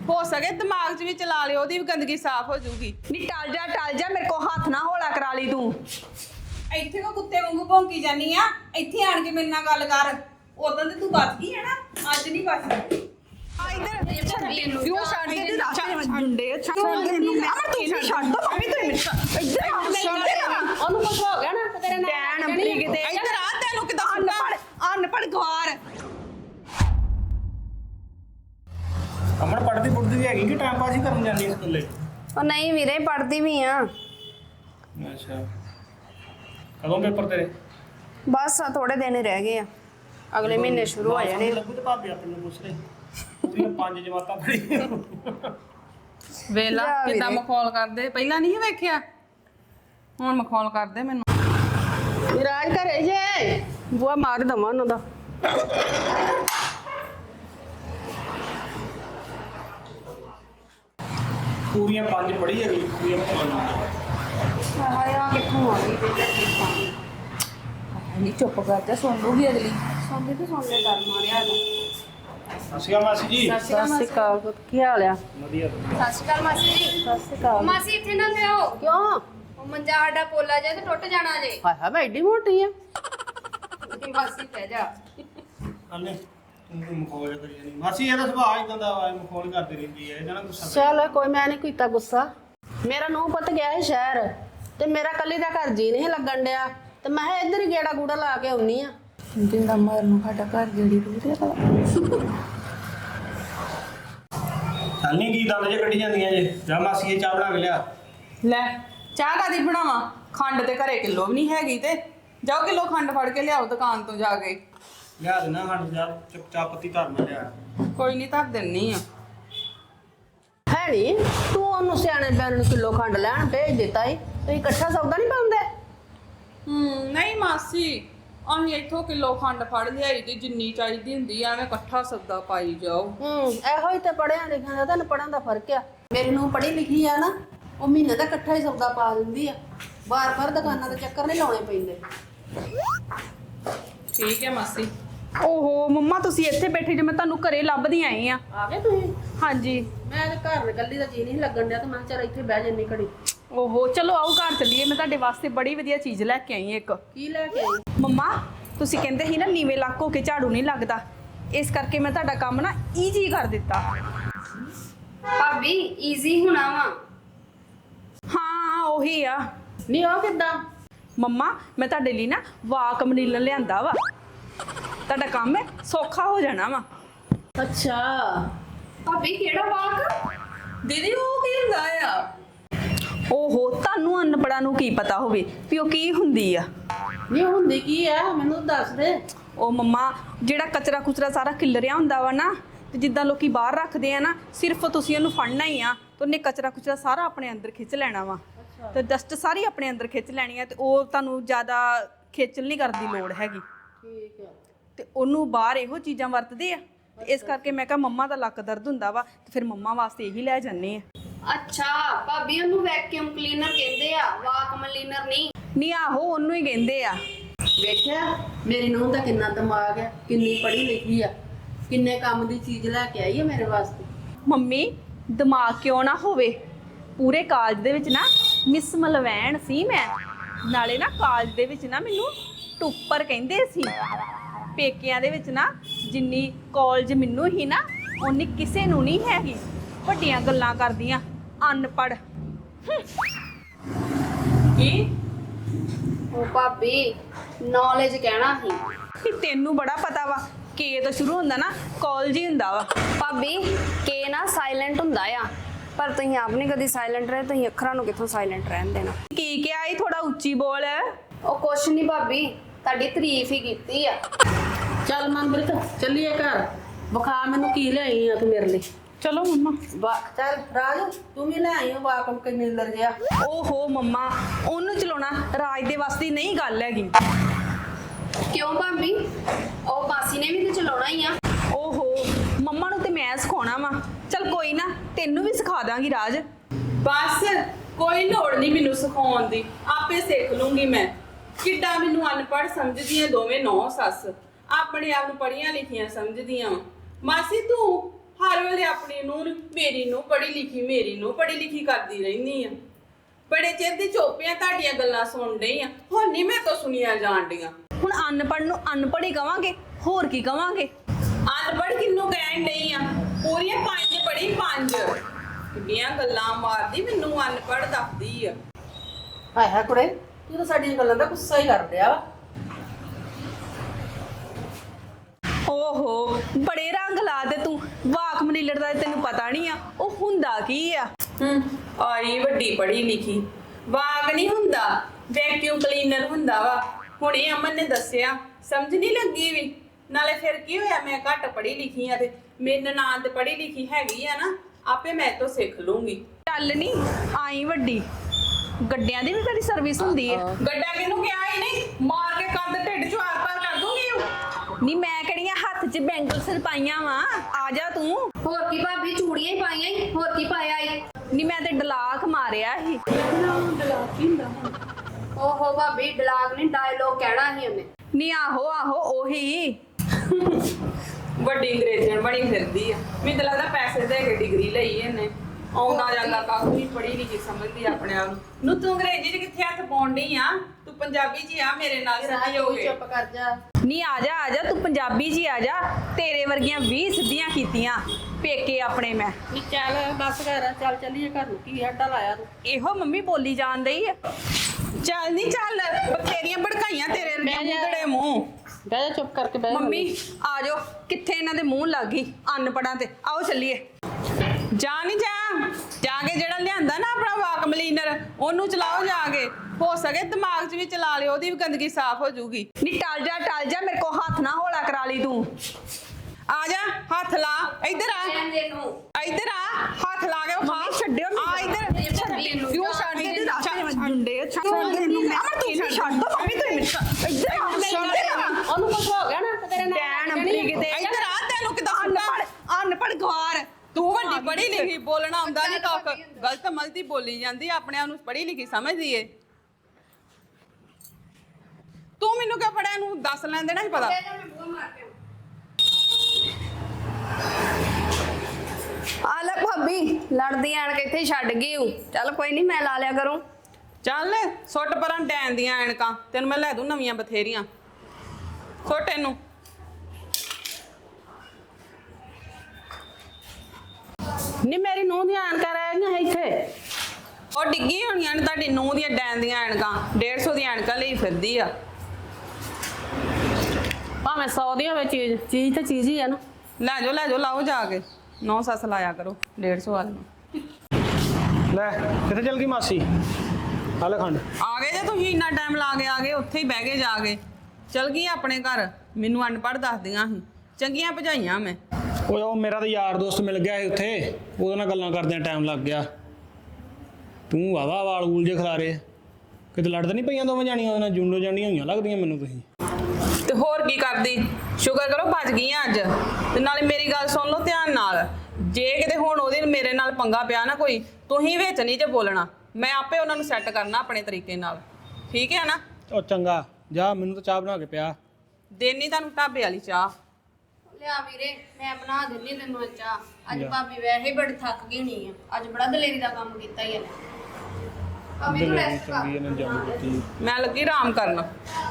हो सके दिमाग च भी चला लियो, ओदी भी गंदगी साफ हो जूगी। नी टल जा मेरे को हाथ ना होला करा ली तू। ਇੱਥੇ ਕੋ ਕੁੱਤੇ ਵਾਂਗੂ ਭੌਂਕੀ ਜਾਨੀ ਆ, ਇੱਥੇ ਆਣ ਕੇ ਮੇਰੇ ਨਾਲ ਗੱਲ ਕਰ। ਉਦੋਂ ਤੇ ਤੂੰ ਬਚ ਗਈ ਹੈ ਨਾ, ਅੱਜ ਨਹੀਂ ਬਚਦੀ। क्यों छाड़ के रास्ते में झुंडे छाड़ के अमर तू छाड़ दो मम्मी तू इधर छोड़ दे ना ओनु कुछ हो गया ना तो तेरे नाल नंबरी किते ਇੱਧਰ ਆ, ਤੈਨੂੰ ਕਿਦਾਂ अनपढ़ गवार ਅਮਨ ਪੜ੍ਹਦੀ ਪੁੱੜਦੀ ਵੀ ਹੈਗੀ ਕਿ ਟਾਈਮ ਪਾਸ ਹੀ ਕਰਨ ਜਾਂਦੀ ਸਕੂਲੇ? ਉਹ ਨਹੀਂ ਵੀਰੇ ਪੜ੍ਹਦੀ ਵੀ ਆ। ਅੱਛਾ, ਕਦੋਂ ਪੇਪਰ ਤੇਰੇ? ਬਸ ਥੋੜੇ ਦਿਨ ਹੀ ਰਹਿ ਗਏ ਆ, ਅਗਲੇ ਮਹੀਨੇ ਸ਼ੁਰੂ ਹੋ ਜਾਣੇ। ਲੱਗੂ ਤੇ ਭਾਬੀ ਆਪਣੇ ਨੂੰ ਪੁੱਛ ਲੈ, ਪੂਰੀਆਂ 5 ਜਮਾਤਾਂ ਪੜ੍ਹੀਆਂ। ਵੇਲਾ ਜਾ ਵੀਰੇ। ਕਿਦਾਂ ਮਖੌਲ ਕਰਦੇ, ਪਹਿਲਾਂ ਨਹੀਂ ਵੇਖਿਆ, ਹੁਣ ਮਖੌਲ ਕਰਦੇ ਮੈਨੂੰ। विराज करे जे बुआ मार दवा उन्हों दा ਪੂਰੀਆਂ 5 ਪੜ੍ਹੀ ਹੈਗੀ, ਪੂਰੀਆਂ 5। ਹਾਏ ਆ ਕਿੱਥੋਂ ਆ ਗਈ ਨਹੀਂ ਚੁੱਪ ਕਰ ਜਾ, ਸੁਣ ਲੂਗੀ ਅਗਲੀ। ਸੌਂਦੇ ਤੇ ਸੌਂਦੇ ਡਰ ਮਾਰਿਆ ਹੈਗਾ। ਅਸੀਂ ਆ ਮਾਸੀ ਜੀ। सत श्री अकाल की हाल है? ਵਧੀਆ। ਸਤਿ ਸ਼੍ਰੀ ਅਕਾਲ ਮਾਸੀ ਜੀ। सत श्री अकाल। ਮਾਸੀ ਇੱਥੇ ਨਾ ਪਿਓ, क्यों ਉਹ ਮੰਜਾ ਸਾਡਾ ਪੋਲਾ ਜੇ ਤੇ ਟੁੱਟ ਜਾਣਾ ਜੇ। हाय हाय मैं एडी मोटी है ਮਾਸੀ ਪੈ ਜਾ। ਹਲੇ ਤੂੰ ਮਖੌਲ ਕਰੀ ਜਾਂਦੀ ਮਾਸੀ, ਇਹਦਾ ਸੁਭਾਅ ਇਦਾਂ ਦਾ ਵਾ, ਮਖੌਲ ਕਰਦੀ ਰਹਿੰਦੀ ਹੈ, ਇਹਦਾ ਨਾ ਗੁੱਸਾ ਕਰੀ। चल कोई मैं नहीं कीता गुस्सा। मेरा नूह पुत गया है शहर ते मेरा कली दा घर जी नहीं लगन दिया ते मैं इधर ही गेड़ा गूड़ा ला के आउनी आ। ਜਿੰਦਾ ਮਾਰ ਨੂੰ ਸਾਡਾ ਘਰ ਜਿਹੜੀ ਰੂਹ ਚੱਲ ਨਹੀਂ ਕੀ ਦੰਦ ਜੇ ਕੱਢੀ ਜਾਂਦੀਆਂ ਜੇ। ਜਾ ਮਾਸੀ ਇਹ ਚਾਹ ਬਣਾ ਕੇ ਲਿਆ। ਲੈ ਚਾਹ ਕਾਦੀ ਬਣਾਵਾਂ, ਖੰਡ ਤੇ ਘਰੇ ਕਿਲੋ ਵੀ ਨਹੀਂ ਹੈਗੀ, ਤੇ ਜਾਓ ਕਿਲੋ ਖੰਡ ਫੜ ਕੇ ਲਿਆਓ ਦੁਕਾਨ ਤੋਂ ਜਾ ਕੇ। ਲਿਆ ਦੇਣਾ ਖੰਡ, ਜਾ ਚਾਹ ਪੱਤੀ ਧਰਨਾ ਲਿਆ। ਕੋਈ ਨਹੀਂ ਧਰ ਦਿੰਨੀ ਆ। है नहीं तू ओनू सियाने बैन नूं किलो खंड लैन भेज दिता ही तो इकट्ठा सौदा नहीं पाउंदे। ਨਹੀਂ ਮਾਸੀ, ਅਸੀਂ ਇੱਥੋਂ ਕਿਲੋ ਖੰਡ ਫੜ ਲਿਆਈ ਤੇ ਜਿੰਨੀ ਚਾਹੀਦੀ ਹੁੰਦੀ ਆ, ਐਵੇਂ ਇਕੱਠਾ ਸੌਦਾ ਪਾਈ ਜਾਓ। ਇਹੋ ਹੀ ਤੇ ਪੜਿਆ ਲਿਖਿਆ ਦਾ ਤੈਨੂੰ ਪੜਨ ਦਾ ਫਰਕ ਆ। ਮੇਰੀ ਨੂੰ ਪੜ੍ਹੀ ਲਿਖੀ ਆ ਨਾ, ਉਹ ਮਹੀਨੇ ਦਾ ਇਕੱਠਾ ਹੀ ਸੌਦਾ ਪਾ ਦਿੰਦੀ ਆ, ਬਾਰ-ਬਾਰ ਦੁਕਾਨਾਂ ਦੇ ਚੱਕਰ ਨਹੀਂ ਲਾਉਣੇ ਪੈਂਦੇ। ਠੀਕ ਹੈ ਮਾਸੀ। ਓਹੋ ਮੰਮਾ, ਤੁਸੀਂ ਇੱਥੇ ਬੈਠੇ ਜੇ, ਮੈਂ ਤੁਹਾਨੂੰ ਘਰੇ ਲੱਭਦੀ ਆਈ ਆ। ਆ ਗਏ ਤੁਸੀਂ? ਹਾਂਜੀ। ਮੈਂ ਤੇ ਘਰ ਇਕੱਲੀ ਦਾ ਜੀ ਨਹੀਂ ਲੱਗਣ ਡਿਆ ਤੇ ਮੈਂ ਕਿਹਾ ਚੱਲ ਇੱਥੇ ਬਹਿ ਜੰਨੀ ਘੜੀ। ਓਹੋ ਚਲੋ ਆਓ ਘਰ ਚੱਲੀਏ, ਮੈਂ ਤੁਹਾਡੇ ਵਾਸਤੇ ਬੜੀ ਵਧੀਆ ਚੀਜ਼ ਲੈ ਕੇ ਆਈ ਇੱਕ। ਕੀ ਲੈ ਕੇ ਆਈ? ਮੰਮਾ ਤੁਸੀਂ ਕਹਿੰਦੇ ਸੀ ਨਾ ਨੀਵੇਂ ਲੱਕ ਹੋ ਕੇ ਝਾੜੂ ਨਹੀਂ ਲੱਗਦਾ, ਇਸ ਕਰਕੇ ਮੈਂ ਤੁਹਾਡਾ ਕੰਮ ਨਾ ਈਜ਼ੀ ਕਰ ਦਿੱਤਾ। ਭਾਬੀ ਈਜ਼ੀ ਹੋਣਾ ਵਾ? ਹਾਂ ਉਹੀ ਆ। ਨਹੀਂ ਉਹ ਕਿੱਦਾਂ? ਮੰਮਾ ਮੈਂ ਤੁਹਾਡੇ ਲਈ ਨਾ ਵਾਕਮ ਨੀਲਨ ਲਿਆਂਦਾ ਵਾ, ਤੁਹਾਡਾ ਕੰਮ ਹੈ ਸੌਖਾ ਹੋ ਜਾਣਾ ਵਾ। ਅੱਛਾ ਭਾਬੀ ਕਿਹੜਾ ਵਾਕ? ਦੀਦੀ ਉਹ ਕੀ ਹੁੰਦਾ ਆ? ਓਹੋ ਤੁਹਾਨੂੰ ਅਨਪੜ੍ਹਾਂ ਨੂੰ ਕੀ ਪਤਾ ਹੋਵੇ ਵੀ ਉਹ ਕੀ ਹੁੰਦੀ ਆ? ਨਹੀਂ ਹੁੰਦੀ ਕੀ ਆ, ਮੈਨੂੰ ਦੱਸ ਦੇ। ਉਹ ਮੰਮਾ ਜਿਹੜਾ ਕਚਰਾ ਕੁਚਰਾ ਸਾਰਾ ਖਿਲਰਿਆ ਹੁੰਦਾ ਵਾ ਨਾ, ਤੇ ਜਿੱਦਾਂ ਲੋਕੀ ਬਾਹਰ ਰੱਖਦੇ ਆ ਨਾ, ਸਿਰਫ ਤੁਸੀਂ ਉਹਨੂੰ ਫੜਨਾ ਹੀ ਆ ਤੇ ਉਹਨੇ ਕਚਰਾ ਕੁਚਰਾ ਸਾਰਾ ਆਪਣੇ ਅੰਦਰ ਖਿੱਚ ਲੈਣਾ ਵਾ, ਤੇ ਡਸਟ ਸਾਰੀ ਆਪਣੇ ਅੰਦਰ ਖਿੱਚ ਲੈਣੀ ਆ, ਤੇ ਉਹ ਤੁਹਾਨੂੰ ਜ਼ਿਆਦਾ ਖੇਚਲ ਨਹੀਂ ਕਰਨ ਦੀ ਲੋੜ ਹੈਗੀ। ਠੀਕ ਹੈ। ਤੇ ਉਹਨੂੰ ਬਾਹਰ ਇਹੋ ਚੀਜ਼ਾਂ ਵਰਤਦੇ ਆ, ਤੇ ਇਸ ਕਰਕੇ ਮੈਂ ਕਿਹਾ ਮੰਮਾ ਦਾ ਲੱਕ ਦਰਦ ਹੁੰਦਾ ਵਾ, ਤੇ ਫਿਰ ਮੰਮਾ ਵਾਸਤੇ ਇਹੀ ਲੈ ਜਾਂਦੇ ਆ। ਅੱਛਾ ਭਾਬੀ ਉਹਨੂੰ ਵੈਕਿਊਮ ਕਲੀਨਰ ਕਹਿੰਦੇ ਆ, ਵਾਕਮ ਕਲੀਨਰ ਨਹੀਂ। ਨਹੀਂ ਆਹੋ ਉਹਨੂੰ ਹੀ ਕਹਿੰਦੇ ਆ। ਵੇਖਿਆ ਮੇਰੀ ਨੂੰਹ ਦਾ ਕਿੰਨਾ ਦਿਮਾਗ ਹੈ, ਕਿੰਨੀ ਪੜ੍ਹੀ ਲਿਖੀ ਆ, ਕਿੰਨੇ ਕੰਮ ਦੀ ਚੀਜ਼ ਲੈ ਕੇ ਆਈ ਹੈ ਮੇਰੇ ਵਾਸਤੇ। ਮੰਮੀ ਦਿਮਾਗ ਕਿਉਂ ਨਾ ਹੋਵੇ, ਪੂਰੇ ਕਾਲਜ ਦੇ ਵਿੱਚ ਨਾ ਮਿਸ ਮਲਵੈਣ ਸੀ ਮੈਂ, ਨਾਲੇ ਨਾ ਕਾਲਜ ਦੇ ਵਿੱਚ ਨਾ ਮੈਨੂੰ ਟੁੱਪਰ ਕਹਿੰਦੇ ਸੀ। ਪੇਕਿਆਂ ਦੇ ਵਿੱਚ ਨਾ ਜਿੰਨੀ ਕਾਲਜ ਮੈਨੂੰ ਹੀ ਨਾ, ਉਨੀ ਕਿਸੇ ਨੂੰ ਨਹੀਂ ਹੈਗੀ। ਵੱਡੀਆਂ ਗੱਲਾਂ ਕਰਦੀਆਂ ਅਨਪੜ੍ਹ। ਕੀ ਉਹ ਭਾਬੀ ਨੌਲੇਜ ਕਹਿਣਾ ਸੀ। ਵੀ ਤੈਨੂੰ ਬੜਾ ਪਤਾ ਵਾ, ਕੇ ਤੋਂ ਸ਼ੁਰੂ ਹੁੰਦਾ ਨਾ, ਕਾਲਜ ਹੀ ਹੁੰਦਾ ਵਾ। ਭਾਬੀ ਕੇ ਨਾ ਸਾਇਲੈਂਟ ਹੁੰਦਾ ਆ, ਪਰ ਤੁਸੀਂ ਆਪ ਨਹੀਂ ਕਦੀ ਸਾਇਲੈਂਟ ਰਹੇ, ਤੁਸੀਂ ਅੱਖਰਾਂ ਨੂੰ ਕਿੱਥੋਂ ਸਾਇਲੈਂਟ ਰਹਿਣ ਦੇਣਾ। ਕੀ ਕਿਹਾ ਇਹ, ਥੋੜਾ ਉੱਚੀ ਬੋਲ। ਉਹ ਕੁਛ ਨਹੀਂ ਭਾਬੀ, ਤੁਹਾਡੀ ਤਾਰੀਫ ਹੀ ਕੀਤੀ ਆ। ਚੱਲ ਮਨਪ੍ਰੀਤ ਚੱਲੀਏ ਘਰ, ਵਿਖਾ ਮੈਨੂੰ ਕੀ ਲਿਆਈ ਆ ਤੂੰ ਮੇਰੇ ਲਈ। ਚਲੋ ਮੰਮਾ। ਚੱਲ ਰਾਜ ਤੂੰ ਵੀ ਲੈ ਆਈ ਹੋ ਵਾਕਮ ਕਲੀਨਰ ਜਿਹਾ। ਓਹੋ ਮੰਮਾ, ਉਹਨੂੰ ਚਲਾਉਣਾ ਰਾਜ ਦੇ ਵਾਸਤੇ ਦੀ ਨਹੀਂ ਗੱਲ ਹੈਗੀ। ਕਿਉਂ ਭਾਬੀ, ਉਹ ਮਾਸੀ ਨੇ ਵੀ ਤੇ ਚਲਾਉਣਾ ਹੀ ਆ। ਓਹੋ ਮੰਮਾ ਨੂੰ ਤੇ ਮੈਂ ਸਿਖਾਉਣਾ ਵਾ, ਚਲ ਕੋਈ ਨਾ ਤੈਨੂੰ ਵੀ ਸਿਖਾ ਦਾਂਗੀ ਰਾਜ। ਬਸ ਕੋਈ ਲੋੜ ਨਹੀਂ ਮੈਨੂੰ ਸਿਖਾਉਣ ਦੀ, ਆਪੇ ਸਿੱਖ ਲੂੰਗੀ ਮੈਂ। ਕਿੱਡਾ ਮੈਨੂੰ ਅਨਪੜ੍ਹ ਸਮਝਦੀਆਂ ਦੋਵੇਂ ਨੌ ਸੱਸ, ਆਪਣੇ ਆਪ ਨੂੰ ਪੜ੍ਹੀਆਂ ਲਿਖੀਆਂ ਸਮਝਦੀਆਂ। ਮਾਸੀ ਤੂੰ ਹਰ ਵੇਲੇ ਆਪਣੀ ਨੂੰ ਮੇਰੀ ਨੂੰ ਪੜ੍ਹੀ ਲਿਖੀ ਕਰਦੀ ਰਹਿੰਦੀ ਆ। ਬੜੇ ਚਿਰ ਦੀ ਚੋਪੀਆਂ ਤੁਹਾਡੀਆਂ ਗੱਲਾਂ ਸੁਣ ਰਹੀ ਆ, ਹੁਣ ਨਹੀਂ ਮੈਂ ਤੋਂ ਸੁਣੀਆਂ ਜਾਣ ਡੀਆਂ। ਹੁਣ ਅਨਪੜ੍ਹ ਨੂੰ ਅਨਪੜ੍ਹ ਹੀ ਕਵਾਂਗੇ, ਹੋਰ ਕੀ ਕਵਾਂਗੇ? ਅਨਪੜ੍ਹ ਕਿੰਨੂੰ ਕਹਿਣ ਡਈ ਆ? ਪੂਰੀਆਂ 5 ਪੜ੍ਹੀ 5। ਕਿੰਨੀਆਂ ਗੱਲਾਂ ਮਾਰਦੀ, ਮੈਨੂੰ ਅਨਪੜ੍ਹ ਦੱਸਦੀ ਆ। ਹਾਏ ਕੁੜੇ, ਤੂੰ ਤਾਂ ਸਾਡੀਆਂ ਗੱਲਾਂ ਦਾ ਗੁੱਸਾ ਹੀ ਕਰ ਰਿਹਾ ਵਾ। ਓਹੋ, ਬੜੇ ਰੰਗ ਲਾ ਦੇ ਤੂੰ। ਵਾਕ ਮਨੀਲੜ ਦਾ ਤੈਨੂੰ ਪਤਾ ਨਹੀਂ ਆ ਉਹ ਹੁੰਦਾ ਕੀ ਆ? ਆਈ ਵੱਡੀ ਪੜ੍ਹੀ ਲਿਖੀ। ਵਾਗ ਨਹੀਂ ਹੁੰਦਾ, ਵੈਕਿਊਮ ਕਲੀਨਰ ਹੁੰਦਾ ਵਾ। ਹੁਣੇ ਅਮਨ ਨੇ ਦੱਸਿਆ, ਸਮਝ ਨਹੀਂ ਲੱਗੀ ਵੀ। ਨਾਲੇ ਫਿਰ ਕੀ ਹੋਇਆ, ਮੈਂ ਘੱਟ ਪੜ੍ਹੀ ਲਿਖੀ ਆ ਤੇ ਮੇਰੀ ਨਨਾਣ ਤੇ ਪੜ੍ਹੀ ਲਿਖੀ ਹੈਗੀ ਆ ਨਾ, ਆਪੇ ਮੈਂ ਤੋਂ ਸਿੱਖ ਲੂੰਗੀ। ਚੱਲ ਨਹੀਂ ਆਈ ਵੱਡੀ, ਗੱਡਿਆਂ ਦੀ ਵੀ ਕਦੀ ਸਰਵਿਸ ਹੁੰਦੀ ਹੈ? ਗੱਡਾ ਕਿਹਨੂੰ ਕਿਹਾ ਹੀ ਨਹੀਂ, ਮਾਰ ਕੇ ਕੰਧ ਢਿੱਡ ਚੋਂ ਆਰ-ਪਾਰ ਕਰ ਦੂੰਗੀ। ਨਹੀਂ ਮੈਂ ਕਿਹੜੀਆਂ ਹੱਥ 'ਚ ਬੈਂਗਲਸ ਪਾਈਆਂ ਵਾ? ਆ ਜਾ ਤੂੰ। ਹੋਰ ਕੀ ਭਾਬੀ, ਚੂੜੀਆਂ ਹੀ ਪਾਈਆਂ ਈ, ਹੋਰ ਕੀ ਪਾਇਆ ਈ? ਨਹੀਂ ਮੈਂ ਤੇ ਡਲਾਕ ਮਾਰਿਆ ਸੀ। ਓਹੋ ਭਾਬੀ, ਡਾਇਲੌਗ ਨਹੀਂ ਡਾਇਲੋਗ ਕਹਿਣਾ ਸੀ ਉਹਨੇ। ਨਹੀਂ ਆਹੋ ਆਹੋ ਉਹੀ। ਵੱਡੀ ਅੰਗਰੇਜ਼ਣ ਬਣੀ ਫਿਰਦੀ ਆ। ਮੈਨੂੰ ਤਾਂ ਲੱਗਦਾ ਪੈਸੇ ਦੇ ਕੇ ਡਿਗਰੀ ਲਈ ਇਹਨੇ। ਆਉਂਦਾ ਜਾਂਦਾ ਕੱਖ ਨਹੀਂ, ਪੜ੍ਹੀ ਲਿਖੀ ਸਮਝਦੀ ਆਪਣੇ ਆਪ ਨੂੰ। ਤੂੰ ਅੰਗਰੇਜ਼ੀ 'ਚ ਕਿੱਥੇ ਹੱਥ ਪਾਉਣ ਡਈ ਆ? ਤੂੰ ਪੰਜਾਬੀ 'ਚ ਆ ਮੇਰੇ ਨਾਲ ਸਹੀ ਹੋ ਗਏ। ਚੁੱਪ ਕਰ ਜਾ। ਨਹੀਂ ਆ ਜਾ ਤੂੰ ਪੰਜਾਬੀ 'ਚ ਹੀ ਆ ਜਾ। ਤੇਰੇ ਵਰਗੀਆਂ 20 ਸਿੱਧੀਆਂ ਕੀਤੀਆਂ ਪੇਕੇ ਆਪਣੇ ਮੈਂ। ਨੀ ਚੱਲ ਬਸ ਕਰ, ਚੱਲ ਚੱਲੀਏ ਘਰ ਨੂੰ। ਕੀ ਅੱਡਾ ਲਾਇਆ ਤੂੰ? ਇਹੋ ਮੰਮੀ ਬੋਲੀ ਜਾਣ ਡਈ ਆ। ਚੱਲ ਨਹੀਂ ਚੱਲ, ਬਥੇਰੀਆਂ ਭੜਕਾਈਆਂ ਤੇਰੇ ਮੂੰਹੜੇ ਮੂੰਹ। ਬਹਿ ਜਾ, ਚੁੱਪ ਕਰਕੇ ਬਹਿ ਜਾ। ਮੰਮੀ ਆ ਜਾਓ, ਕਿੱਥੇ ਇਹਨਾਂ ਦੇ ਮੂੰਹ ਲੱਗ ਗਈ ਅਨਪੜਾਂ ਤੇ। ਆਓ ਚੱਲੀਏ। ਜਾ ਨਹੀਂ ਜਾ ਕੇ ਜਿਹੜਾ ਲਿਆਂਦਾ ਨਾ ਆਪਣਾ ਵਾਕ ਮਲੀਨਰ, ਉਹਨੂੰ ਚਲਾਓ ਜਾ ਕੇ। ਹੋ ਸਕੇ ਦਿਮਾਗ 'ਚ ਵੀ ਚਲਾ ਲਿਓ, ਉਹਦੀ ਵੀ ਗੰਦਗੀ ਸਾਫ਼ ਹੋ ਜਾਊਗੀ। ਨਹੀਂ ਟਲ ਜਾ, ਮੇਰੇ ਕੋ ਹੱਥ ਨਾ ਹੌਲਾ ਕਰਾ ਲਈ ਤੂੰ। ਆ ਜਾ, ਹੱਥ ਲਾ, ਇੱਧਰ ਆ, ਕਹਿੰਦੇ ਨੂੰ ਇੱਧਰ ਆ, ਹੱਥ ਲਾ ਕੇ ਖਾ। ਛੱਡਿਓ ਆ ਇੱਧਰ। ਭਾਬੀ ਇਹਨੂੰ ਕਿਉਂ ਛੱਡ ਦੇ ਰਾਸਤੇ ਵਿੱਚ ਜੁੰਡੇ ਛੱਡ ਤੈਨੂੰ ਮੈਂ ਤੂੰ ਛੱਡ ਦੋ ਮੰਮੀ ਤੂੰ ਇੱਧਰ ਆ। ਉਹਨੂੰ ਕੁਝ ਹੋ ਗਿਆ ਨਾ ਤੇ ਤੇਰੇ ਨਾਲ ਡੈਣ ਅੰਬਰੀ ਕਿਤੇ ਇੱਧਰ ਆ, ਤੈਨੂੰ ਕਿਦਾਂ ਅਨਪੜ ਗਵਾਰ। ਤੂੰ ਵੱਡੀ ਪੜ੍ਹੀ ਲਿਖੀ, ਬੋਲਣਾ ਆਉਂਦਾ ਨਹੀਂ ਕੱਖ। ਗਲਤ ਮਲਤੀ ਬੋਲੀ ਜਾਂਦੀ, ਆਪਣੇ ਆਪ ਨੂੰ ਪੜ੍ਹੀ ਲਿਖੀ ਸਮਝਦੀ ਏ। ਤੂੰ ਮੈਨੂੰ ਕਿਉਂ ਪੜਿਆ ਨੂੰ ਦੱਸ ਲੈਣ ਦੇਣਾ ਸੀ ਪਤਾ। ਆ ਲੈ ਭਾਬੀ, ਲੜਦੀ ਆਣ ਕੇ ਇੱਥੇ ਛੱਡ ਗਈ ਹੂੰ। ਚੱਲ ਕੋਈ ਨਹੀਂ, ਮੈਂ ਲਾ ਲਿਆ ਕਰੂੰ। ਚੱਲ ਸੁੱਟ ਪਰਾਂ ਡੈਣ ਦੀਆਂ ਐਨਕਾਂ, ਤੈਨੂੰ ਮੈਂ ਲੈ ਦੂੰ ਨਵੀਆਂ ਬਥੇਰੀਆਂ। ਸੁੱਟ ਇਹਨੂੰ। ਨੀ ਮੇਰੀ ਨੂੰਹ ਦੀਆਂ ਐਨਕਾਂ ਰਹਿ ਗਈਆਂ ਇੱਥੇ। ਉਹ ਡਿੱਗੀ ਹੋਣੀਆਂ ਨੇ ਤੁਹਾਡੀ ਨੂੰਹ ਦੀਆਂ ਡੈਣ ਦੀਆਂ ਐਨਕਾਂ। 150 ਦੀਆਂ ਐਨਕਾਂ ਲਈ ਫਿਰਦੀ ਆ। ਭਾਵੇਂ 100 ਦੀਆਂ ਵਿੱਚ ਚੀਜ਼ ਤੇ ਚੀਜ਼ ਹੀ ਆ ਨਾ। ਲੈ ਜਾਓ ਲਾਓ ਜਾ ਕੇ। 9 ਸੱਸ ਲਾਇਆ ਕਰੋ 150 ਵਾਲੀਆਂ। ਲੈ ਕਿੱਥੇ ਚਲ ਗਈ ਮਾਸੀ? ਹਾਲੇ ਖੰਡ ਆ ਗਏ ਜੇ ਤੁਸੀਂ ਇੰਨਾ ਟਾਈਮ ਲਾ ਕੇ ਆ ਗਏ, ਉੱਥੇ ਹੀ ਬਹਿ ਗਏ ਜਾ ਕੇ। ਚਲ ਗਈ ਆਪਣੇ ਘਰ, ਮੈਨੂੰ ਅਨਪੜ੍ਹ ਦੱਸਦੀਆਂ ਸੀ। ਚੰਗੀਆਂ ਭਜਾਈਆਂ ਮੈਂ। ਉਹ ਮੇਰਾ ਤਾਂ ਯਾਰ ਦੋਸਤ ਮਿਲ ਗਿਆ ਸੀ ਉੱਥੇ, ਉਹਦੇ ਨਾਲ ਗੱਲਾਂ ਕਰਦਿਆਂ ਟਾਈਮ ਲੱਗ ਗਿਆ। ਤੂੰ ਵਾਵਾ ਵਾਲ ਊਲ ਜੇ ਖਿਲਾਰੇ, ਕਿਤੇ ਲੜਦੇ ਨਹੀਂ ਪਈਆਂ ਦੋਵੇਂ ਜਾਣੀਆਂ ਉਹਦੇ ਨਾਲ? ਜੁੰਡੋ ਜਾਣੀਆਂ ਹੋਈਆਂ ਲੱਗਦੀਆਂ ਮੈਨੂੰ ਤੁਸੀਂ। ਤੇ ਹੋਰ ਕੀ ਕਰਦੀ? ਸ਼ੁਕਰ ਕਰੋ ਬਚ ਗਈਆਂ ਅੱਜ। ਤੇ ਨਾਲੇ ਮੇਰੀ ਗੱਲ ਸੁਣ ਲਓ ਧਿਆਨ ਨਾਲ, ਜੇ ਕਿਤੇ ਹੁਣ ਉਹਦੇ ਮੇਰੇ ਨਾਲ ਪੰਗਾ ਪਿਆ ਨਾ ਕੋਈ, ਤੁਸੀਂ ਵਿੱਚ ਨਹੀਂ ਜੇ ਬੋਲਣਾ। ਮੈਂ ਆਪੇ ਉਹਨਾਂ ਨੂੰ ਸੈੱਟ ਕਰਨਾ ਆਪਣੇ ਤਰੀਕੇ ਨਾਲ, ਠੀਕ ਹੈ ਨਾ? ਉਹ ਚੰਗਾ ਜਾ, ਮੈਨੂੰ ਤਾਂ ਚਾਹ ਬਣਾ ਕੇ ਪਿਆ। ਦੇਣੀ ਤੁਹਾਨੂੰ ਢਾਬੇ ਵਾਲੀ ਚਾਹ। ਲਿਆ ਵੀਰੇ, ਮੈਂ ਬਣਾ ਦਿੰਨੀ ਤੈਨੂੰ ਚਾਹ। ਅੱਜ ਭਾਬੀ ਵੈਸੇ ਹੀ ਬੜੀ ਥੱਕ ਗਈ ਹੋਣੀ ਆ, ਅੱਜ ਬੜਾ ਦਲੇਰੀ ਦਾ ਕੰਮ ਕੀਤਾ ਹੀ ਇਹਨੇ। ਭਾਬੀ ਤੂੰ ਰੈਸਟ ਕਰ। ਚੰਗੀ ਇਹਨੇ ਜੰਮ ਦਿੱਤੀ। ਮੈਂ ਲੱਗੀ ਆਰਾਮ ਕਰਨ।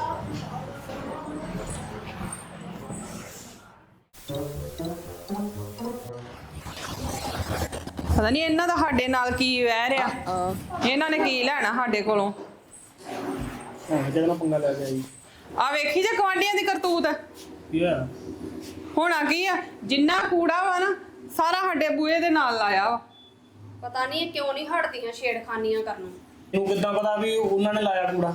ਪਤਾ ਨਹੀਂ ਇਹਨਾਂ ਦਾ ਸਾਡੇ ਨਾਲ ਕੀ ਵਹਿ ਰਿਹਾ। ਇਹਨਾਂ ਨੇ ਕੀ ਲੈਣਾ ਸਾਡੇ ਕੋਲੋਂ? ਹੁਣ ਕਿਹਦੇ ਨਾਲ ਪੰਗਾ ਲੈ ਕੇ ਆਈ? ਆ ਵੇਖੀ ਜੇ ਗਵਾਂਢੀਆਂ ਦੀ ਕਰਤੂਤ। ਕੀ ਆ? ਹੋਣਾ ਕੀ ਆ, ਜਿੰਨਾ ਕੂੜਾ ਵਾ ਨਾ ਸਾਰਾ ਸਾਡੇ ਬੂਹੇ ਦੇ ਨਾਲ ਲਾਇਆ ਵਾ। ਪਤਾ ਨਹੀਂ ਇਹ ਕਿਉਂ ਨਹੀਂ ਹਟਦੀਆਂ ਛੇੜਖਾਨੀਆਂ ਕਰਨ। ਤੈਨੂੰ ਕਿੱਦਾਂ ਪਤਾ ਵੀ ਉਹਨਾਂ ਨੇ ਲਾਇਆ ਕੂੜਾ?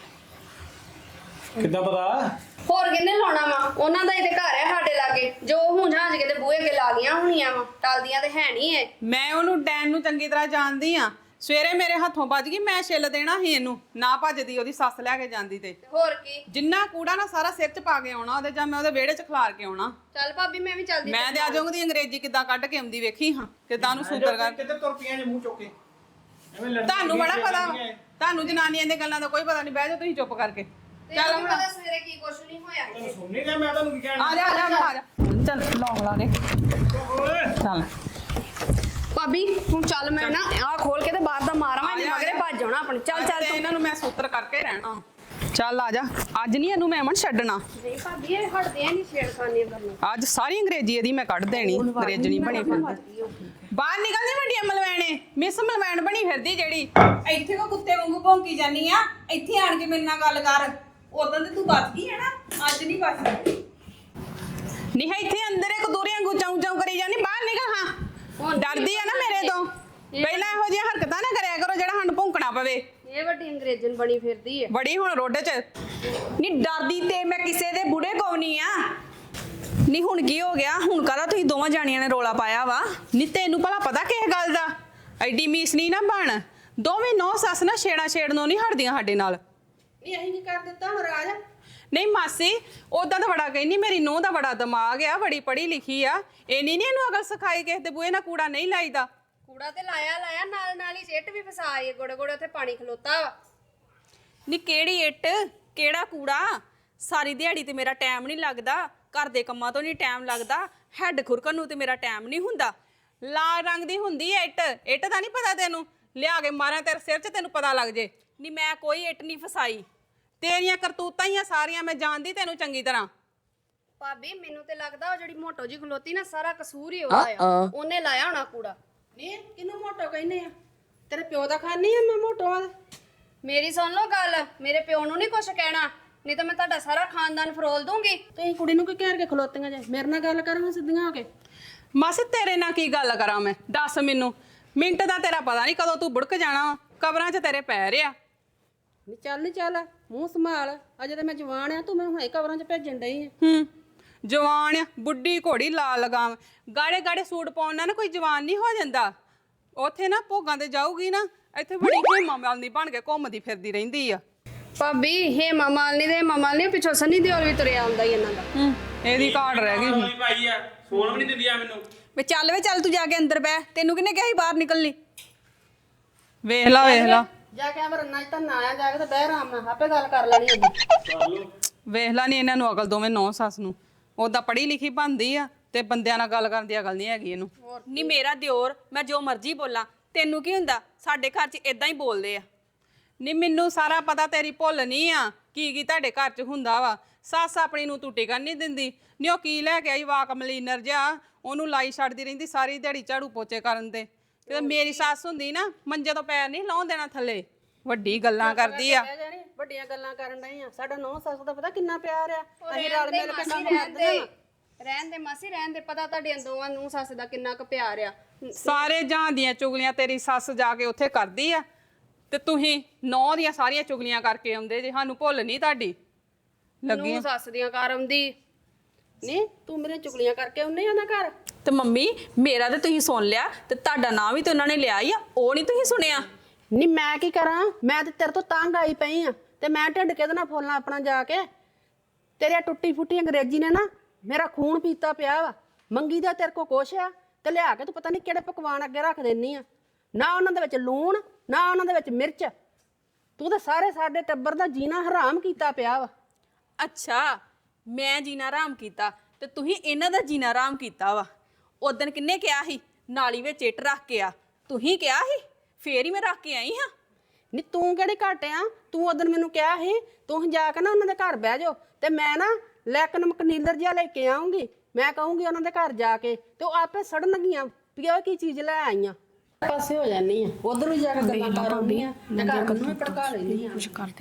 ਕਿੱਦਾਂ ਪਤਾ? ਹੋਰ ਕਿੰਨੇ ਲਾਉਣਾ ਵਾ? ਉਹਨਾਂ ਦਾ ਹੀ ਤੇ ਘਰ ਹੈ ਸਾਡੇ ਲਾਗੇ, ਜੋ ਹੁੰਝਾਂਜ ਕੇ ਤੇ ਬੂਹੇ ਅੱਗੇ ਲਾ ਗਈਆਂ ਹੋਣੀਆਂ ਵਾ। ਟਲਦੀਆਂ ਤੇ ਹੈ ਨਹੀਂ ਇਹ। ਮੈਂ ਉਹਨੂੰ ਡੈਨ ਨੂੰ ਚੰਗੀ ਤਰ੍ਹਾਂ ਜਾਣਦੀ ਆ। ਸਵੇਰੇ ਮੇਰੇ ਹੱਥੋਂ ਵੱਜ ਗਈ, ਮੈਂ ਛਿੱਲ ਦੇਣਾ ਸੀ ਇਹਨੂੰ। ਨਾ ਭੱਜਦੀ ਉਹਦੀ ਸੱਸ ਲੈ ਕੇ ਜਾਂਦੀ ਤੇ। ਹੋਰ ਕੀ, ਜਿੰਨਾ ਕੂੜਾ ਨਾ ਸਾਰਾ ਸਿਰ 'ਚ ਪਾ ਕੇ ਆਉਣਾ ਉਹਦੇ, ਜਾਂ ਮੈਂ ਉਹਦੇ ਵਿਹੜੇ 'ਚ ਖਿਲਾਰ ਕੇ ਆਉਣਾ। ਚੱਲ ਭਾਬੀ ਮੈਂ ਵੀ ਚੱਲਦੀ। ਮੈਂ ਤੇ ਆ ਜਾਊਂਗੀ ਅੰਗਰੇਜ਼ੀ ਕਿੱਦਾਂ ਕੱਢ ਕੇ ਆਉਂਦੀ ਵੇਖੀ ਹਾਂ, ਕਿੱਦਾਂ ਨੂੰ ਸੂਤਰ ਕਰ। ਕਿੱਧਰ ਤੁਰ ਪਈਆਂ ਜੇ ਮੂੰਹ ਚੁੱਕ ਕੇ? ਐਵੇਂ ਲੜਦੀ ਤੁਹਾਨੂੰ ਬੜਾ ਫਿਰਦੀਆਂ ਪਤਾ ਵਾ। ਜਾਂਦੀਆਂ। ਤੁਹਾਨੂੰ ਜਨਾਨੀਆਂ ਦੀਆਂ ਗੱਲਾਂ ਦਾ ਕੋਈ ਪਤਾ ਨਹੀਂ। ਬਹਿ ਜਾਓ ਤੁਸੀਂ ਚੁੱਪ ਕਰਕੇ। ਚੱਲ ਹੁਣ ਪਤਾ ਸਵੇਰੇ ਕੀ ਕੁਛ ਨਹੀਂ ਹੋਇਆ ਇੱਥੇ। ਸੁਣ ਨਹੀਂ ਰਿਹਾ ਮੈਂ ਤੁਹਾਨੂੰ ਕੀ ਕਹਿਣਾ ਆ ਜਾ ਆ ਜਾ ਚੱਲ ਲੌਂਗ ਲਾ ਦੇ ਚੱਲ ਭਾਬੀ ਹੁਣ ਚੱਲ ਮੈਂ ਨਾ ਆਹ ਖੋਲ ਕੇ ਤੇ ਬਾਹਰ ਦਾ ਮਾਰਾਂ ਮੈਂ ਇਹਦੇ ਮਗਰੇ ਭੱਜ ਜਾਣਾ ਆਪਣੇ ਚੱਲ ਚੱਲ ਤੇ ਇਹਨਾਂ ਨੂੰ ਮੈਂ ਸੂਤਰ ਕਰਕੇ ਰਹਿਣਾ ਚੱਲ ਆ ਜਾ ਅੱਜ ਨਹੀਂ ਇਹਨੂੰ ਮੈਂ ਅਮਨ ਛੱਡਣਾ ਨਹੀਂ ਭਾਬੀ ਇਹ ਹਟਦੇ ਆ ਨਹੀਂ ਛੇੜਖਾਨੀਆਂ ਕਰਨਾ ਅੱਜ ਸਾਰੀ ਅੰਗਰੇਜ਼ੀ ਇਹਦੀ ਮੈਂ ਕੱਢ ਦੇਣੀ ਅੰਗਰੇਜ਼ਣੀ ਬਣੀ ਫਿਰਦੀ ਬਾਹਰ ਨਿਕਲਦੀ ਵੱਡੀ ਮਲਵੈਣੇ ਮਿਸ ਮਲਵੈਣ ਬਣੀ ਫਿਰਦੀ ਜਿਹੜੀ ਇੱਥੇ ਕੋ ਕੁੱਤੇ ਵਾਂਗੂ ਭੌਂਕੀ ਜਾਨੀ ਆ ਇੱਥੇ ਆਣ ਕੇ ਮੇਰੇ ਨਾਲ ਗੱਲ ਕਰ ਉਦੋਂ ਤੇ ਤੂੰ ਬਚ ਗਈ ਹੈ ਨਾ ਅੱਜ ਨਹੀਂ ਬਚਦੀ ਨਹੀਂ ਇੱਥੇ ਅੰਦਰ ਇੱਕ ਦੂਰੇ ਵਾਂਗੂ ਚਾਉ ਚਾਉ ਕਰੀ ਜਾਨੀ ਬਾਹਰ ਨਿਕਲ ਹਾਂ ਡਰਦੀ ਆ ਨਾ ਮੇਰੇ ਤੋਂ ਪਹਿਲਾਂ ਇਹੋ ਜਿਹੀਆਂ ਹਰਕਤਾਂ ਨਾ ਕਰਿਆ ਕਰੋ ਜਿਹੜਾ ਸਾਨੂੰ ਭੌਂਕਣਾ ਪਵੇ ਇਹ ਵੱਡੀ ਅੰਗਰੇਜ਼ਨ ਬਣੀ ਫਿਰਦੀ ਹੈ ਬੜੀ ਹੁਣ ਰੋਡੇ 'ਚ ਨਹੀਂ ਡਰਦੀ ਤੇ ਮੈਂ ਕਿਸੇ ਦੇ ਬੁੜੇ ਕੋ ਨਹੀਂ ਆ ਨਹੀਂ ਹੁਣ ਕੀ ਹੋ ਗਿਆ ਹੁਣ ਕਾਹਦਾ ਤੁਸੀਂ ਦੋਵਾਂ ਜਾਣੀਆਂ ਨੇ ਰੋਲਾ ਪਾਇਆ ਵਾ ਨਹੀਂ ਤੈਨੂੰ ਭਲਾ ਪਤਾ ਕਿਸ ਗੱਲ ਦਾ ਐਡੀ ਮੀਸ ਨਹੀਂ ਨਾ ਬਣ ਦੋਵੇਂ ਨੌ ਸੱਸ ਨਾ ਛੇੜਾ ਛੇੜਨੋਂ ਨਹੀਂ ਹਟਦੀਆਂ ਸਾਡੇ ਨਾਲ ਇਹ ਅਸੀਂ ਕੀ ਕਰ ਦਿੱਤਾ ਹੁਣ ਰਾਜ? ਨਹੀਂ ਮਾਸੀ ਉਦਾਂ ਤਾਂ ਬੜਾ ਕਹਿੰਦੀ ਮੇਰੀ ਨੂੰਹ ਦਾ ਬੜਾ ਦਿਮਾਗ ਆ ਬੜੀ ਪੜ੍ਹੀ ਲਿਖੀ ਆ ਇੰਨੀ ਨਹੀਂ ਇਹਨੂੰ ਅਕਲ ਸਿਖਾਈ ਕਿਸੇ ਦੇ ਬੂਹੇ ਨਾਲ ਕੂੜਾ ਨਹੀਂ ਲਾਈਦਾ ਕੂੜਾ ਤੇ ਲਾਇਆ ਨਾਲ ਨਾਲ ਹੀ ਸਿੱਟ ਵੀ ਫਸਾਈ ਗੋੜੇ ਗੋੜੇ ਉੱਥੇ ਪਾਣੀ ਖਲੋਤਾ ਵਾ ਨੀ ਕਿਹੜੀ ਇੱਟ ਕਿਹੜਾ ਕੂੜਾ ਸਾਰੀ ਦਿਹਾੜੀ ਤੇ ਮੇਰਾ ਟਾਈਮ ਨਹੀਂ ਲੱਗਦਾ ਘਰ ਦੇ ਕੰਮਾਂ ਤੋਂ ਨਹੀਂ ਟਾਈਮ ਲੱਗਦਾ ਹੈਡ ਖੁਰਕਣ ਨੂੰ ਤੇ ਮੇਰਾ ਟਾਈਮ ਨਹੀਂ ਹੁੰਦਾ ਲਾਲ ਰੰਗ ਦੀ ਹੁੰਦੀ ਐ ਇੱਟ ਦਾ ਨਹੀਂ ਪਤਾ ਤੈਨੂੰ ਲਿਆ ਕੇ ਮਾਰਾਂ ਤੇਰੇ ਸਿਰ 'ਚ ਤੈਨੂੰ ਪਤਾ ਲੱਗ ਜੇ ਨੀ ਮੈਂ ਕੋਈ ਇੱਟ ਨਹੀਂ ਫਸਾਈ ਤੇਰੀਆਂ ਕਰਤੂਤਾਂ ਹੀ ਆ ਸਾਰੀਆਂ ਮੈਂ ਜਾਣਦੀ ਤੈਨੂੰ ਚੰਗੀ ਤਰ੍ਹਾਂ ਭਾਬੀ ਮੈਨੂੰ ਤੇ ਲੱਗਦਾ ਉਹ ਜਿਹੜੀ ਮੋਟੋ ਜੀ ਖਲੋਤੀ ਨਾ ਸਾਰਾ ਕਸੂਰ ਹੀ ਉਹਦਾ ਆ ਉਹਨੇ ਲਾਇਆ ਹੋਣਾ ਕੂੜਾ ਨਹੀਂ ਕਿਹਨੂੰ ਮੋਟੋ ਕਹਿੰਦੇ ਆ? ਤੇਰੇ ਪਿਓ ਦਾ ਖਾਨੀ ਆ ਮੈਂ ਮੋਟੋ ਆ? ਮੇਰੀ ਸੁਣ ਲਓ ਗੱਲ ਮੇਰੇ ਪਿਓ ਨੂੰ ਨਹੀਂ ਕੁਛ ਕਹਿਣਾ ਨਹੀਂ ਤਾਂ ਮੈਂ ਤੁਹਾਡਾ ਸਾਰਾ ਖਾਨਦਾਨ ਫਰੋਲ ਦੂੰਗੀ ਤੁਸੀਂ ਕੁੜੀ ਨੂੰ ਕੀ ਕਹਿ ਕੇ ਖਲੋਤੀਆਂ ਜੇ? ਮੇਰੇ ਨਾਲ ਗੱਲ ਕਰੋ ਸਿੱਧੀਆਂ ਹੋ ਕੇ। ਮਾਸੀ ਤੇਰੇ ਨਾਲ ਕੀ ਗੱਲ ਕਰਾਂ ਮੈਂ ਦੱਸ ਮੈਨੂੰ ਮਿੰਟ ਦਾ ਤੇਰਾ ਪਤਾ ਨਹੀਂ ਕਦੋਂ ਤੂੰ ਬੁੜਕ ਜਾਣਾ ਕਬਰਾਂ 'ਚ ਤੇਰੇ ਪੈ ਰਿਆ ਨਹੀਂ ਚੱਲ ਮੂੰਹ ਸੰਭਾਲ ਅਜੇ ਤਾਂ ਮੈਂ ਜਵਾਨ ਆ ਤੂੰ ਮੈਨੂੰ ਹੁਣੇ ਕਵਰਾਂ 'ਚ ਭੇਜਣ ਡਈ ਆ। ਜਵਾਨ ਆ ਬੁੱਢੀ ਘੋੜੀ ਲਾਲ ਲਗਾਮ ਗਾੜੇ ਗਾੜੇ ਸੂਟ ਪਾਉਣ ਨਾਲ ਨਾ ਕੋਈ ਜਵਾਨ ਨਹੀਂ ਹੋ ਜਾਂਦਾ ਉੱਥੇ ਨਾ ਭੋਗਾਂ ਤੇ ਜਾਊਗੀ ਨਾ ਇੱਥੇ ਬੜੀ ਹੇਮਾ ਮਾਲਨੀ ਬਣ ਕੇ ਘੁੰਮਦੀ ਫਿਰਦੀ ਰਹਿੰਦੀ ਆ ਭਾਬੀ ਹੇਮਾ ਮਾਲਿਨੀ ਪਿੱਛੋਂ ਸੰਨੀ ਦਿਓਲ ਵੀ ਤੁਰਿਆ ਆਉਂਦਾ ਹੀ ਇਹਨਾਂ ਦਾ ਇਹਦੀ ਘਾਟ ਰਹਿ ਗਈ ਸੀ ਭਾਈ ਆ ਸੋਣ ਵੀ ਨਹੀਂ ਦਿੰਦੀ ਆ ਮੈਨੂੰ ਵੇ ਚੱਲ ਤੂੰ ਜਾ ਕੇ ਅੰਦਰ ਬਹਿ ਤੈਨੂੰ ਕਿਹਨੇ ਕਿਹਾ ਸੀ ਬਾਹਰ ਨਿਕਲਣੀ ਵੇਖ ਲਾ ਜਾ ਕੇ ਅਮਰ ਨਾ ਤਾਂ ਨਾ ਆਇਆ ਜਾ ਕੇ ਤੇ ਬਹਿ ਆਰਾਮ ਨਾਲ ਆਪੇ ਗੱਲ ਕਰ ਲੈਣੀ ਅੱਗੇ ਵੇਖ ਲਾ ਨਹੀਂ ਇਹਨਾਂ ਨੂੰ ਅਕਲ ਦੋਵੇਂ ਨੌ ਸੱਸ ਨੂੰ ਉਦਾਂ ਪੜ੍ਹੀ ਲਿਖੀ ਬਣਦੀ ਆ ਤੇ ਬੰਦਿਆਂ ਨਾਲ ਗੱਲ ਕਰਨ ਦੀ ਅਕਲ ਨਹੀਂ ਹੈਗੀ ਇਹਨੂੰ ਨੀ ਮੇਰਾ ਦਿਓਰ ਮੈਂ ਜੋ ਮਰਜ਼ੀ ਬੋਲਾਂ ਤੈਨੂੰ ਕੀ ਹੁੰਦਾ ਸਾਡੇ ਘਰ 'ਚ ਇਦਾਂ ਹੀ ਬੋਲਦੇ ਆ ਨਹੀਂ ਮੈਨੂੰ ਸਾਰਾ ਪਤਾ ਤੇਰੀ ਭੁੱਲ ਨਹੀਂ ਆ ਕੀ ਤੁਹਾਡੇ ਘਰ 'ਚ ਹੁੰਦਾ ਵਾ ਸੱਸ ਆਪਣੀ ਨੂੰ ਤੂੰ ਟਿਕਣ ਨਹੀਂ ਦਿੰਦੀ ਨਹੀਂ ਉਹ ਕੀ ਲੈ ਕੇ ਆਈ ਵਾਕ ਮਲੀਨਰ ਜਿਹਾ ਉਹਨੂੰ ਲਾਈ ਛੱਡਦੀ ਰਹਿੰਦੀ ਸਾਰੀ ਦਿਹਾੜੀ ਝਾੜੂ ਪੋਚੇ ਕਰਨ ਤੇ ਮੇਰੀ ਸੱਸ ਹੁੰਦੀ ਨਾ ਮੰਜੇ ਤੋਂ ਪੈਰ ਨਹੀਂ ਲਾਉਣ ਦੇਣਾ ਥੱਲੇ ਵੱਡੀ ਗੱਲਾਂ ਕਰਦੀ ਆ ਕਹਿ ਜਾਣੀ ਵੱਡੀਆਂ ਗੱਲਾਂ ਕਰਨ ਡਈ ਆ ਸਾਡਾ ਨੌ ਸੱਸ ਦਾ ਪਤਾ ਕਿੰਨਾ ਪਿਆਰ ਆ ਅਸੀਂ ਰਲ ਮਿਲ ਕੇ ਕੰਮ ਕਰਦੇ ਆ ਰਹਿਣ ਦੇ ਮਾਸੀ ਰਹਿਣ ਦੇ ਪਤਾ ਤੁਹਾਡੀਆਂ ਦੋਵਾਂ ਨੂੰ ਸੱਸ ਦਾ ਕਿੰਨਾ ਕੁ ਪਿਆਰ ਆ ਸਾਰੇ ਜਹਾਂ ਦੀਆਂ ਚੁਗਲੀਆਂ ਤੇਰੀ ਸੱਸ ਜਾ ਕੇ ਉੱਥੇ ਕਰਦੀ ਆ ਤੇ ਤੁਸੀਂ ਨੌ ਦੀਆਂ ਸਾਰੀਆਂ ਚੁਗਲੀਆਂ ਕਰਕੇ ਆਉਂਦੇ ਜੇ ਸਾਨੂੰ ਭੁੱਲ ਨਹੀਂ ਤੁਹਾਡੀ ਲੱਗੀ ਨੂੰ ਸੱਸ ਦੀਆਂ ਕਰ ਆਉਂਦੀ ਨਹੀਂ ਤੂੰ ਮੇਰੇ ਚੁਗਲੀਆਂ ਕਰਕੇ ਉਹਨੇ ਆਣਾ ਘਰ ਤੇ ਮੰਮੀ ਮੇਰਾ ਤੇ ਤੁਸੀਂ ਸੁਣ ਲਿਆ ਤੇ ਤੁਹਾਡਾ ਨਾਂ ਵੀ ਤੇ ਉਹਨਾਂ ਨੇ ਲਿਆ ਹੀ ਆ ਉਹ ਨਹੀਂ ਤੁਸੀਂ ਸੁਣਿਆ ਨਹੀਂ ਮੈਂ ਕੀ ਕਰਾਂ ਮੈਂ ਤੇ ਤੇਰੇ ਤੋਂ ਤੰਗ ਆਈ ਪਈ ਆ ਤੇ ਮੈਂ ਢਿੱਡ ਕਿਹਦੇ ਨਾਲ ਫੋਲਣਾ ਆਪਣਾ ਜਾ ਕੇ ਤੇਰੇ ਟੁੱਟੀ ਫੁੱਟੀ ਅੰਗਰੇਜ਼ੀ ਨੇ ਨਾ ਮੇਰਾ ਖੂਨ ਪੀਤਾ ਪਿਆ ਵਾ ਮੰਗੀ ਦਾ ਤੇਰੇ ਕੋ ਕੁਛ ਆ ਤੇ ਲਿਆ ਕੇ ਤੂੰ ਪਤਾ ਨਹੀਂ ਕਿਹੜੇ ਪਕਵਾਨ ਅੱਗੇ ਰੱਖ ਦੇਨੀ ਆ ਨਾ ਉਹਨਾਂ ਦੇ ਵਿੱਚ ਲੂਣ ਨਾ ਉਹਨਾਂ ਦੇ ਵਿੱਚ ਮਿਰਚ ਤੂੰ ਤਾਂ ਸਾਰੇ ਸਾਡੇ ਟੱਬਰ ਦਾ ਜੀਣਾ ਹਰਾਮ ਕੀਤਾ ਪਿਆ ਵਾ ਅੱਛਾ ਮੈਂ ਜੀਣਾ ਆਰਾਮ ਕੀਤਾ ਤੇ ਤੁਸੀਂ ਇਹਨਾਂ ਦਾ ਜੀਣਾ ਆਰਾਮ ਕੀਤਾ ਵਾ ਉਦੋਂ ਕਿੰਨੇ ਕਿਹਾ ਸੀ ਨਾਲੀ ਵਿੱਚ ਇੱਟ ਰੱਖ ਕੇ ਆ ਤੁਸੀਂ ਕਿਹਾ ਸੀ ਫੇਰ ਹੀ ਮੈਂ ਰੱਖ ਕੇ ਆਈ ਹਾਂ ਨੀ ਤੂੰ ਕਿਹੜੀ ਘੱਟ ਆ ਤੂੰ ਉਦੋਂ ਮੈਨੂੰ ਕਿਹਾ ਸੀ ਤੂੰ ਜਾ ਕੇ ਨਾ ਉਹਨਾਂ ਦੇ ਘਰ ਬਹਿ ਜਾਓ ਤੇ ਮੈਂ ਨਾ ਲੈਕਨ ਮਕਨੀਲਰ ਜਿਹਾ ਲੈ ਕੇ ਆਉਂਗੀ ਮੈਂ ਕਹੂੰਗੀ ਉਹਨਾਂ ਦੇ ਘਰ ਜਾ ਕੇ ਤੇ ਉਹ ਆਪੇ ਸੜਨਗੀਆਂ ਵੀ ਉਹ ਕੀ ਚੀਜ਼ ਲੈ ਆਈਆਂ ਪਾਸੇ ਹੋ ਜਾਨੀ ਆ ਉਧਰ ਵੀ ਜਾ ਕੇ ਗੱਲਾਂ ਕਰ ਆਉਂਦੀ ਆ ਤੇ ਘਰ ਨੂੰ ਵੀ ਭੜਕਾ ਲੈਂਦੀ ਆ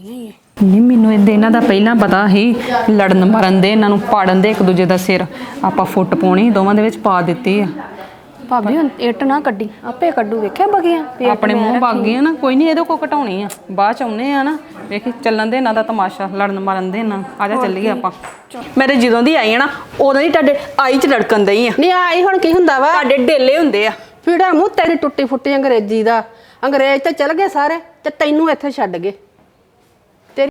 ਨਹੀਂ ਮੈਨੂੰ ਇਹਨਾਂ ਦਾ ਪਹਿਲਾਂ ਪਤਾ ਸੀ ਲੜਨ ਮਰਨ ਦੇ ਇਹਨਾਂ ਨੂੰ ਪਾੜਨ ਦੇ ਇੱਕ ਦੂਜੇ ਦਾ ਸਿਰ ਆਪਾਂ ਫੁੱਟ ਪਾਉਣੀ ਦੋਵਾਂ ਦੇ ਵਿੱਚ ਪਾ ਦਿੱਤੀ ਆ ਭਾਬੀ ਹੁਣ ਇੱਟ ਨਾ ਕੱਢੀ ਆਪੇ ਕੱਢੂ ਵੇਖਿਆ ਬਗੀਆਂ ਆਪਣੇ ਮੂੰਹ ਵਗ ਗਏ ਨਾ ਕੋਈ ਨਹੀਂ ਇਹਦੇ ਕੋ ਘਟਾਉਣੀ ਆ ਬਾਅਦ ਚ ਆਉਨੇ ਆ ਨਾ ਵੇਖੀ ਚੱਲਣ ਦੇ ਇਹਨਾਂ ਦਾ ਤਮਾਸ਼ਾ ਲੜਨ ਮਰਨ ਦੇ ਇਹਨਾਂ ਆ ਜਾ ਚੱਲੀਏ ਆਪਾਂ ਮੇਰੇ ਜਦੋਂ ਦੀ ਆਈ ਆ ਨਾ ਉਦੋਂ ਹੀ ਤੁਹਾਡੇ ਆਈ 'ਚ ਲੜਕਣ ਦਈ ਆ ਨਹੀਂ ਆਈ ਹੁਣ ਕੀ ਹੁੰਦਾ ਵਾ ਤੁਹਾਡੇ ਢੇਲੇ ਹੁੰਦੇ ਆ ਫੀੜਾ ਮੂੰਹ ਤੇਰੀ ਟੁੱਟੀ ਫੁੱਟੀ ਅੰਗਰੇਜ਼ੀ ਦਾ ਅੰਗਰੇਜ਼ ਤੇ ਚਲ ਗਏ ਸਾਰੇ ਤੇ ਤੈਨੂੰ ਇੱਥੇ ਛੱਡ ਗਏ